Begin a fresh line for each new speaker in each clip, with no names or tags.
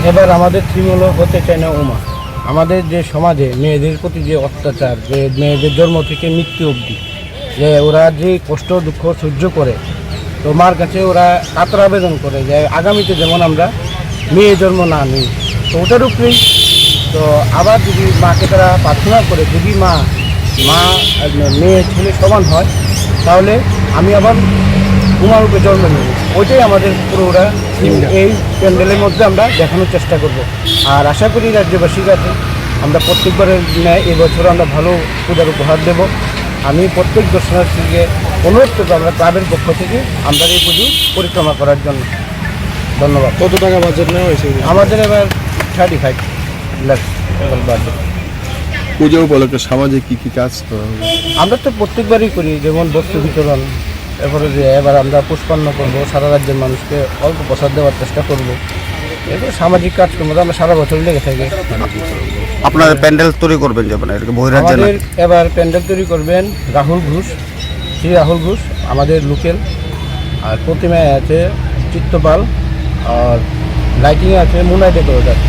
এবার আমাদের থিম হলো হতে চায় না উমা। আমাদের যে সমাজে মেয়েদের প্রতি যে অত্যাচার, যে মেয়েদের জন্ম থেকে মৃত্যু অবধি যে ওরা যে কষ্ট দুঃখ সহ্য করে, তো মার কাছে ওরা কাতর আবেদন করে যে আগামীতে যেমন আমরা মেয়ে জন্ম না নিই। তো ওটার উপরেই তো আবার যদি মাকে তারা প্রার্থনা করে যদি মা মেয়ে ছেলে সমান হয়, তাহলে আমি আবার উমার রূপে জন্ম নেব। ওইটাই আমাদের পুরো ওরা এই প্যান্ডেলের মধ্যে আমরা দেখানোর চেষ্টা করব। আর আশা করি রাজ্যবাসীর কাছে আমরা প্রত্যেকবারের ন্যায় এবছর আমরা ভালো পূজার উপহার দেব। আমি প্রত্যেক দর্শনার্থীকে অনুরোধ করবো আমরা ক্লাবের পক্ষ থেকে আমরা এই পুজো পরিক্রমা করার জন্য। ধন্যবাদ।
কত টাকা বাজেট নেওয়া হয়েছে?
আমাদের এবার 35 লাখ বাজেট।
পুজো উপলক্ষে সামাজিক কী কাজ করা হবে?
আমরা তো প্রত্যেকবারই করি, যেমন বস্ত্র বিতরণ, এরপরে যে এবার আমরা পুষ্পান্ন করবো, সারা রাজ্যের মানুষকে অল্প প্রসাদ দেওয়ার চেষ্টা করবো। এরপরে সামাজিক কাজকর্ম তো আমরা সারা বছর লেগে থাকি।
আপনারা প্যান্ডেল তৈরি করবেন যে মানে বহিরাজ্যে
আমাদের এবার প্যান্ডেল তৈরি করবেন রাহুল ঘোষ, শ্রী রাহুল ঘোষ আমাদের লোকেল। আর প্রতিমায় আছে চিত্তপাল, আর লাইটিংয়ে আছে Munai decorator.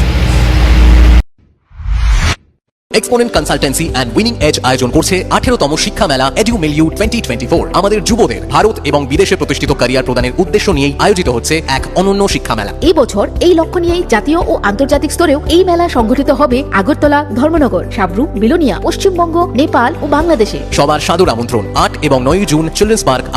Exponent consultancy and winning edge আয়োজন করছে 18তম শিক্ষা মেলা এডু মিলিউ 2024। আমাদের যুবদের ভারত এবং বিদেশে প্রতিষ্ঠিত ক্যারিয়ার প্রদানের উদ্দেশ্য নিয়েই আয়োজিত হচ্ছে এক অনন্য শিক্ষা মেলা।
এই বছর এই লক্ষ্য নিয়েই জাতীয় ও আন্তর্জাতিক স্তরেও এই মেলা সংগঠিত হবে আগরতলা, ধর্মনগর, সাবরু, বিলোনিয়া, পশ্চিমবঙ্গ, নেপাল ও বাংলাদেশে।
সবার সাদর আমন্ত্রণ। 8 এবং 9 জুন চিলড্রেন্স পার্ক